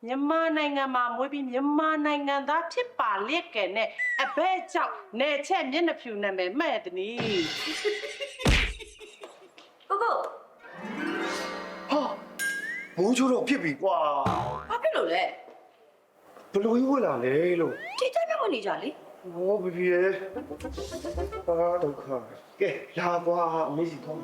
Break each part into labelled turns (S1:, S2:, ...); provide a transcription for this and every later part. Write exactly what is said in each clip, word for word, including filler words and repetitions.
S1: မြန်မာနိုင်ငံမှာမွေးပြီးမြန်မာနိုင်ငံသားဖြစ်ပါလက်ကဲနဲ့အဘဲကြောင့်နေချက်မျက်နှာဖြူနာမည်မှဲ့သည်နီ
S2: ကိုကို
S3: ဟာမိုးချိုးတော့ဖြစ်ပြီကွာ
S2: ဘာဖြစ်လို့လဲ
S3: ဘလို့ကြီးဝင်လာလဲလို့
S2: ဒီတိုင်းမဝင်နေကြလေ
S3: ဟောဘီဘီရဲ့ဟာဒုက္ခကဲလာကွာအမေစီတော့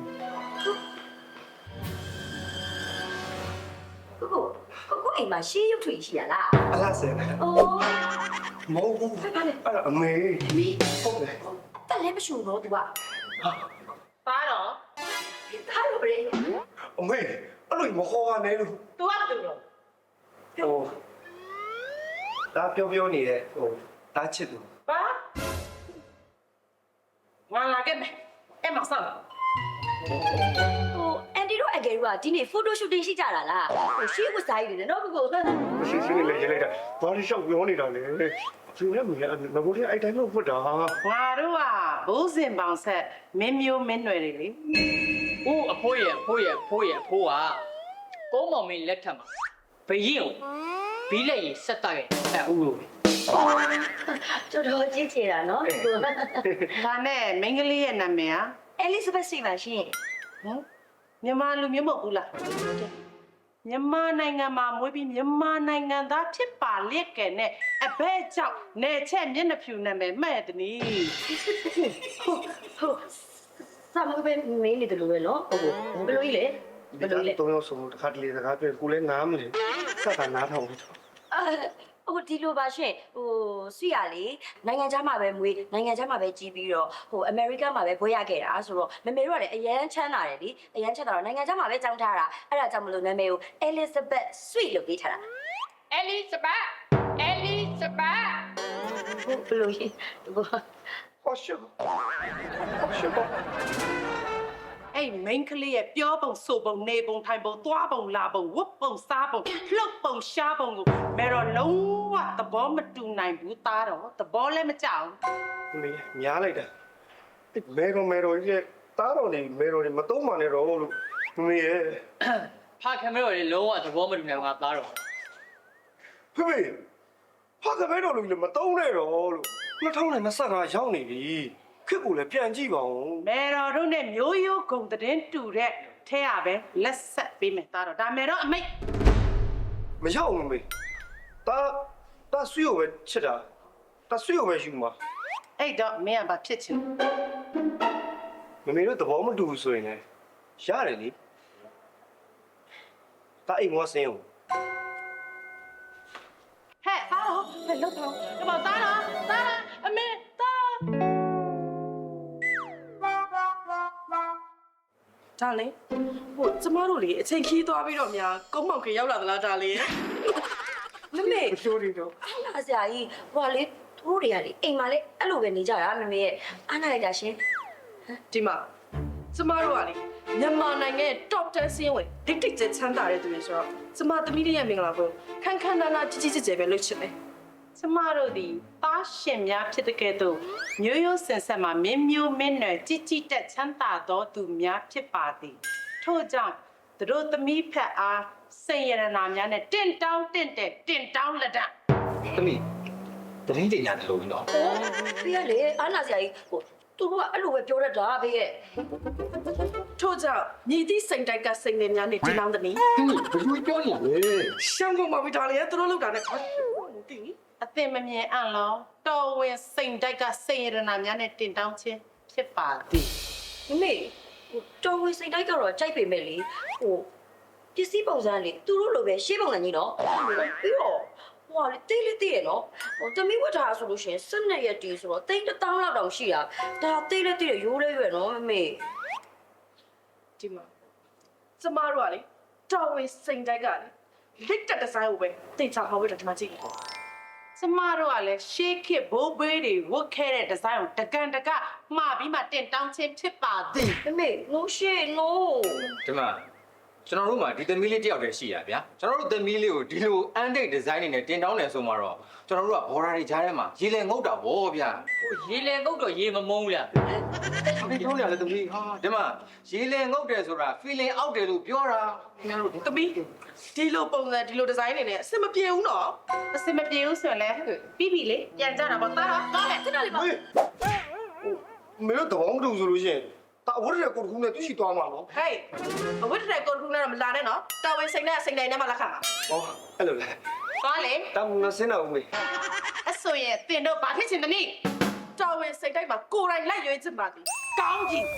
S2: ကိုကိုကိုကိုအိမ်မှာရှေးရုပ်ထွေရှိရလား
S3: အလားစဲ
S2: အိုး
S3: မဟုတ်ဘူးအဲ့ဒါအမေ
S2: အမေ
S3: ဟုတ်တယ်
S2: တက်လည်းမရှူတော့ तू ကဟာ
S1: ပါတော့
S2: သားလို့ရေ
S3: အမေအဲ့လိုမခေါ်ရနဲ့လို့
S1: तू ကတူတော့
S3: ဟိုဒါပြောပြောနေတဲ့ဟိုတားချစ်သူ
S1: ပါငါလာခဲ့မယ်အဲ့မဆောက်
S2: ဟိုအန်တီတို့အကယ်တို့ကဒီနေ့ photo shooting ရှိကြတာလားဟိုရှေးဝစားရည်နေနော်ကိုကို
S3: ရှိရှိလေးရေးလိုက်တာဘာလို့ရှောက်ပြောနေတာလဲသူလည်းမရငါတို့လည်းအဲ့တိုင်းလို့ဖွတ်တာ
S1: ငါတို့ကဘိုးစင်ပေါင်ဆက်မင်းမျိုးမင်းနွယ်တွေလေ
S4: ဦးအဖိုးရဲ့အဖိုးရဲ့အဖိုးရဲ့အဖိုးကကုန်းမောင်မင်းလက်ထက်မှာဘရင်ကိုဘီးလက်ရည်ဆက်တက်ရဲ့အဲဦးလို့
S2: တော်တော်ကြည့်ချင်တာနော်ကိုကို
S1: ဒါနဲ့မိန်းကလေးရဲ့နာမည်ဟာ
S2: Elizabeth စီပါရှင်
S1: ဟမ်မြန်မာလူမျိုးမဟုတ်ဘူးလားမြန်မာနိုင်ငံမှာမွေးပြီးမြန်မာနိုင်ငံသားဖြစ်ပါလက်ကဲနဲ့အဘဲကြောင့်နေချက်မျက်နှာဖြူနာမည်မှဲ့သည်နီ
S2: ဟုတ်ဟုတ်စာမပဲမင်းနေတယ်လို့ပဲနော်ဟုတ်ဘယ်လိုကြီးလဲ
S3: ဘယ်လိုလဲတော့ဆုံးတခါတလေစကားပြောကိုလည်းငားမလို့စက်တာနားထောင်လို့
S2: အဲဟိုဒီလိုပါရှင်ဟိုဆွေရလေနိုင်ငံခြားမှာပဲမွေးနိုင်ငံခြားမှာပဲကြီးပြီးတော့ဟိုအမေရိကန်မှာပဲဘွဲရခဲ့တာဆိုတော့မမေတို့ကလည်းအရန်ချမ်းသာတယ်လေအရန်ချမ်းသာတော့နိုင်ငံခြားမှာပဲကြောင်းထားတာအဲ့ဒါကြောင့်မလို့နာမည်ကို Elizabeth Sweet လို့ပေးထားတာ
S4: Elizabeth Elizabeth
S2: ဘယ်လိုရှိ
S3: ဟောရှေဟောရှေ
S1: အဲ့မိန်းကလေးရဲ့ပြောပုံဆိုပုံနေပုံထိုင်ပုံသွားပုံလာပုံဝတ်ပုံစားပုံလှုပ်ပုံရှားပုံကိုမဲတော့လုံးဝသဘောမတူနိုင်ဘူးသားတော့သဘောလည်းမကြောက်
S3: ဘူးမေများလိုက်တာမဲတော့မဲတော့ရဲ့တားတော်နေမဲတော့နေမသုံးမှနဲ့တော့လို့မေရဲ့
S4: ဖခင်မဲတော်လေလုံးဝသဘောမတူနိုင်ဘူးငါသားတော်
S3: ဖေဖေဖခင်မဲတော်လို့လည်းမသုံးနဲ့တော့လို့နှစ်ထောင်နဲ့နှစ်ဆကရောက်နေပြီခက်ကိုလည်းပြန်ကြည့်ပါဦး
S1: မဲတော်တို့နဲ့မျိုးရိုးဂုံတဲ့တူတဲ့ထဲရပဲလက်ဆက်ပေးမယ်သားတော့ဒါမဲတော့အမိတ်
S3: မရောက်ဘူးမေတာတာဆွေကိုပဲချစ်တာတာဆွေကိုပဲယူမှာ
S1: အဲ့တော့မင်းကဘာဖြစ်ချင်
S3: မမေတို့သဘောမတူဘူးဆိုရင်လည်းရတယ်လေတာအိမ်ဝဆင်းဦး
S1: ဟဲ့သားတော့ဘယ်လောက်တော့ဒီမှာသားတော့သားအမေသားဒါလေဟိုကျမတို့လေအချိန်ခီးသွားပြီးတော့များကုန်းမောင်ခင်ရောက်လာသလားဒါလေ
S2: မမေ
S3: ရှိုးနေတော့
S2: အားနာစရာကြီးဟိုလေသူတို့တွေကလေအိမ်မှာလေအဲ့လိုပဲနေကြတာမမေရဲ့အားနာလိုက်တာရှင်
S1: ဒီမှာကျမတို့ကလေမြန်မာနိုင်ငံရဲ့ top ten စီးရင်ဝင်ဒိတ်ဒိတ်ကျချမ်းသာတဲ့သူတွေဆိုတော့ကျမသမီးလေးရဲ့မင်္ဂလာပွဲခန်းခန်းနာနာကြီးကြီးကျယ်ကျယ်ပဲလုပ်ချင်တယ်ကျမတို့ဒီသားရှင်များဖြစ်တဲ့ကဲ့သို့မျိုးရိုးစင်ဆက်မှာမင်းမျိုးမင်းနွယ်ကြီးကြီးတက်ချမ်းသာသောသူများဖြစ်ပါသည်ထို့ကြောင့်သူတို့သမီးဖက်အားစိတ်ရတနာများနဲ့တင့်တောင်းတင့်တဲ့တင့်တောင်းလက်တ
S5: သမီးတရင်တင်ရတယ်လို့နော်
S2: ဟိုဖေးရလေအားနာစရာကြီးဟိုသူတို့ကအဲ့လိုပဲပြောရတာဖေးရဲ့
S1: ထို့ကြောင့်မြည်သည့်စိန်တိုက်ကစိန်နေများနဲ့တင့်တောင်းသည်နီ
S5: ဘယ်လိုပြောနေရလဲ
S1: ရှမ်းကုန်ပါပြီဒါလေသူတို့လောက်တာနဲ့တင်းအသင်မမြင်အံ့လောတော်ဝင်စိန်တိုက်ကစိန်ရတနာများနဲ့တင်တောင်းခြင်းဖြစ်ပါသည်
S2: မမေဟိုတော်ဝင်စိတ်တိုက်ကတော့ကြိုက်ပေမဲ့လေဟိုပစ္စည်းပုံစံလေသူတို့လိုပဲရှေးပုံစံကြီးနော်ပြီးတော့ဟိုလေတိတ်လေးတိတ်ရနော်ဟိုတမီးဝတ်ထားဆိုလို့ရှိရင်စနက်ရက်တီဆိုတော့တိတ်တစ်တောင်းလောက်တောင်ရှိတာဒါတိတ်လေးတိတ်ရရိုးလေးရွယ်နော်မမေ
S1: ဒီမှာကျမတို့ကလေတော်ဝင်စိန်တိုက်ကလေလက်တက်ဒီဇိုင်းကိုပဲတိတ်ချဟောပြီးတော့ဒီမှာကြည့်ကျမတို့ကလည်းရှေးခေတ်ဘိုးဘေးတွေဝတ်ခဲ့တဲ့ဒီဇိုင်းကိုတကန်တကမှားပြီးမှတင်တောင်းခြင်းဖြစ်ပါသည်
S2: မမေ no shit no
S5: ဒီမှာကျွန်တော်တို့မှာဒီသမီးလေးတယောက်တည်းရှိရဗျာကျွန်တော်တို့သမီးလေးကိုဒီလို antique design တွေနဲ့တင်တောင်းတယ်ဆိုမှတော့ကျွန်တော်တို့ကဘော်ဒါတွေကြားထဲမှာရေလည်ငုတ်တာဗောဗျာ
S4: ဟိုရေလေကုတ်တော့ရေမမုန်းဘူးလား
S5: ဒီပြောနေရလေသမီးဟာဒီမှာရေလည်ငုတ်တယ်ဆိုတာ feeling အောက်တယ်လို့ပြောတာခင်ဗျားတို့
S1: သမီးဒီလိုပုံစံဒီလိုဒီဇိုင်းတွေနဲ့အဆင်မပြေဘူးနော်
S6: အစင်မပြေဘူးဆိုရင်လည်းပြီးပြီလေပြန်ကြတာပေါ့တာတော့တော့လေခဏလေးပါ
S3: ဟေးမင်းတို့တဘောမတူဆိုလို့ရှိရင်တာဝတ်ရကိုတခုနဲ့သူရှိသွားမှာနော်
S1: ဟေးအဝတ်တဲ့ကိုယ်ကလည်းမလာနဲ့နော်တော်ဝင်စိတ်နဲ့စိတ်တိုင်းနဲ့မှလက်ခံပါ
S3: ဟောအဲ့လိုလေ
S6: သွားလေ
S3: တောင်းငါစင်းတော့ဦးမေ
S6: အဆိုရင်တင်တော့ဘာဖြစ်ချင်တယ်နိ
S1: တော်ဝင်စိတ်တိုင်းမှာကိုယ်တိုင်လိုက်ရွေးချင်ပါသည်ကောင်းကြီး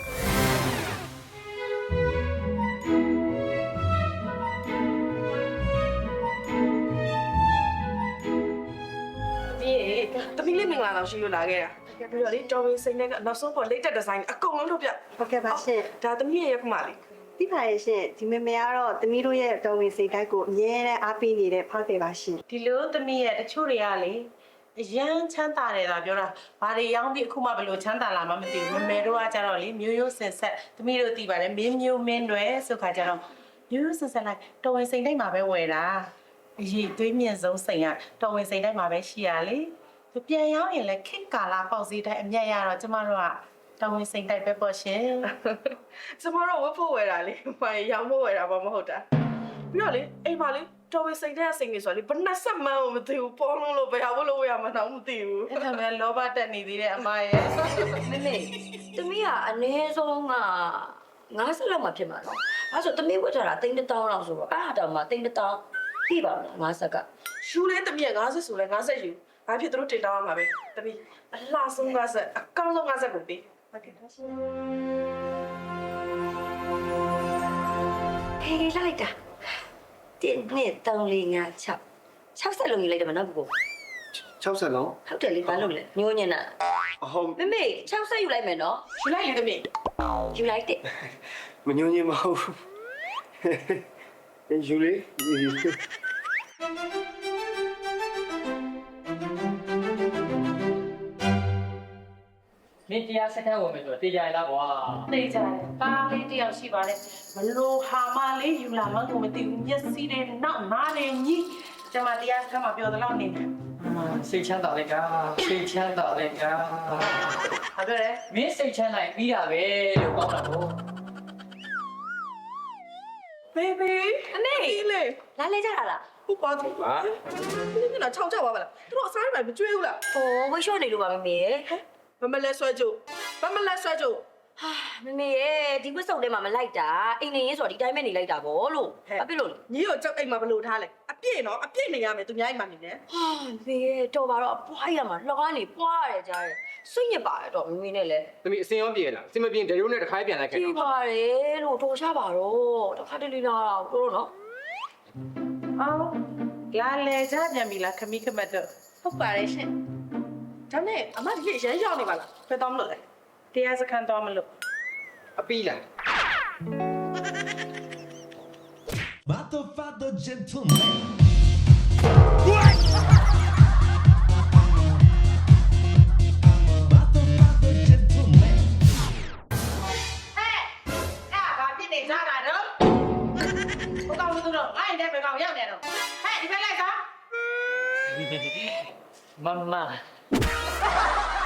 S1: ဒီတမီးလေးမင်္ဂလာတော့ရှိလို့လာခဲ့တာပြီးတော့လေတော်ဝင်စိတ်နဲ့ကနောက်ဆုံးပေါ် latest design အကုန်လုံးထုတ်ပြ
S7: ဟုတ်ကဲ့ပါရှင်
S1: ဒါတမီးရဲ့ရက်ခမလေး
S7: သိပါရဲ့ရှင်ဒီမေမေကတော့သမီးတို့ရဲ့တော်ဝင်စိတ်ကိုက်ကိုအမြဲတမ်းအားပေးနေတဲ့ဖောက်တယ်ပါရှင်
S6: ဒီလိုသမီးရဲ့တချို့တွေကလေအရန်ချမ်းသာတယ်သာပြောတာဘာတွေရောင်းပြီးအခုမှဘယ်လိုချမ်းသာလာမှမသိဘူးမမေတို့ကကြတော့လေမျိုးရိုးစင်ဆက်သမီးတို့သိပါတယ်မင်းမျိုးမင်းတွေဆိုခါကြတော့မျိုးရိုးစင်ဆက်လိုက်တော်ဝင်စိတ်တိုင်းမှာပဲဝယ်တာအရေးသွေးမြင့်ဆုံးစိတ်ကတော်ဝင်စိတ်တိုင်းမှာပဲရှိရလေသူပြန်ရောင်းရင်လည်းခစ်ကာလာပေါက်စည်းတိုင်းအမြတ်ရတော့ကျမတို့ကတော်ဝင်စိတ်တိုင်းပဲပေါ့ရှင်
S1: ကျမတို့ဝတ်ဖို့ဝယ်တာလေဘာရောင်းဖို့ဝယ်တာဘာမဟုတ်တာပြီးတော့လေအိမ်မှာလေတော်ဝင်စိတ်တဲ့အစိမ်ကြီးဆိုတော့လေဘယ်နှဆက်မှန်းမသိဘူးပေါ်လုံးလို့ဘယ်ဟာလို့ဝယ်ရမှန်းတော့မသိဘူး
S6: အဲ့ဒါမဲ့လောဘတက်နေသေးတဲ့အမရဲ့
S2: မမေသမီးကအနည်းဆုံးကငါးဆက်လောက်မှဖြစ်မှာနော်အဲဆိုသမီးဝတ်ထားတာတိန်းတစ်တောင်းလောက်ဆိုတော့အဲ့ဟာတောင်မှတိန်းတစ်တောင်းပြပါမလားငါးဆက်က
S1: ရှူးလေးတမီးကငါးဆက်ဆိုလဲငါးဆက်ယူဘာဖြစ်သူတို့တင်တောင်းရမှာပဲတမီးအလှဆုံးငါးဆက်အကောင်းဆုံးငါးဆက်ကိုပေးဟုတ်ကဲ့ပါရှင်
S2: ဟေးလိုက်တာတင်းနဲ့တောင်းလေးငါ၆၆ဆက်လုံးကြီးလိုက်တယ်မနော်ဘူ
S3: 60လုံး
S2: ဟုတ်တယ်လေဘာလို့လဲညိုးညင်တာ
S3: ဟုတ်
S2: မမေ၆ဆက်ယူလိုက်မယ်နော်
S1: ယူလိုက်လေတမီး
S2: ယူလိုက်တယ်
S3: မညွန့်ညင်မဟုတ်ယူလေ
S4: မင်းတရားစခန်းဝင်မယ်ဆိုတော့တေးကြရလားကွာ
S6: သိကြတယ်ပါလေးတယောက်ရှိပါတယ်ဘလို့ဟာမလေးယူလာမှကိုမသိဘူးမျက်စိတွေနောက်နားတွေညီကျမတရားစခန်းမှာပြောသလောက်နေတယ်
S4: စိတ်ချမ်းသာလိုက်ကစိတ်ချမ်းသာလိုက်က
S6: ဟာပြောတယ်
S4: မင်းစိတ်ချမ်းသာရင်ပြီးတာပဲလို့ကောင်းတာပေါ့
S1: ဘေဘီအမေလေ
S2: လာလဲကြတာလား
S1: ဟုတ်ပါဘူးဟာဒီကနေ့ချောက်ကြပါပါလားသူတို့အစားတွေမကြွေးဘူးလား
S2: ဟိုဝိရှော့နေလို့ပါမမေရဲ့
S1: မမလဲဆွဲကြိုးမမလဲဆွဲကြိုး
S2: ဟာမမေရဲ့ဒီဝတ်စုံထဲမှာမလိုက်တာအိမ်နေရေးဆိုတော့ဒီတိုင်းပဲနေလိုက်တာဗောလို့ဘာဖြစ်လို့လဲ
S1: ညီကိုကြောက်အိမ်မှာဘလို့ထားလဲအပြည့်နော်အပြည့်နေရမယ်သူများအိမ်မှာနေနေ
S2: ဟာမေရဲ့တော်ပါတော့ပွားရမှာလှော်ကနေပွားရတယ်ကြားတယ်စိတ်ညစ်ပါတယ်တော့မမေနဲ့လဲ
S5: သမီးအစင်ရောပြေလားအစင်မပြေဒရုံးနဲ့တစ်ခါပြန်လိုက်ခဲ့
S2: ကြည့်
S5: တော့
S2: ပါတယ်လို့တော်ချပါတော့တစ်ခါတလေလာတော့တို့နော်
S6: အော်လာလေကြပြန်ပြီလားခမီးခမတ်တော့
S1: ဟုတ်ပါတယ်ရှင်ဒါနဲ့အမဒီလေးရမ်းရောက်နေပါလားဖယ်တော့မလို့လဲ
S6: တရားစခန်းတော့မလို့
S5: အပီးလား
S8: Motherfucker gentleman. Motherfucker gentleman.
S6: အဲ့ဘာဖြစ်နေကြတာတော့ဘုကောင်တို့တော့အဲ့ဒီဘယ်ကောင်ရောက်နေတော့ဟဲ့ဒီဘက်လိုက်စား
S4: မမ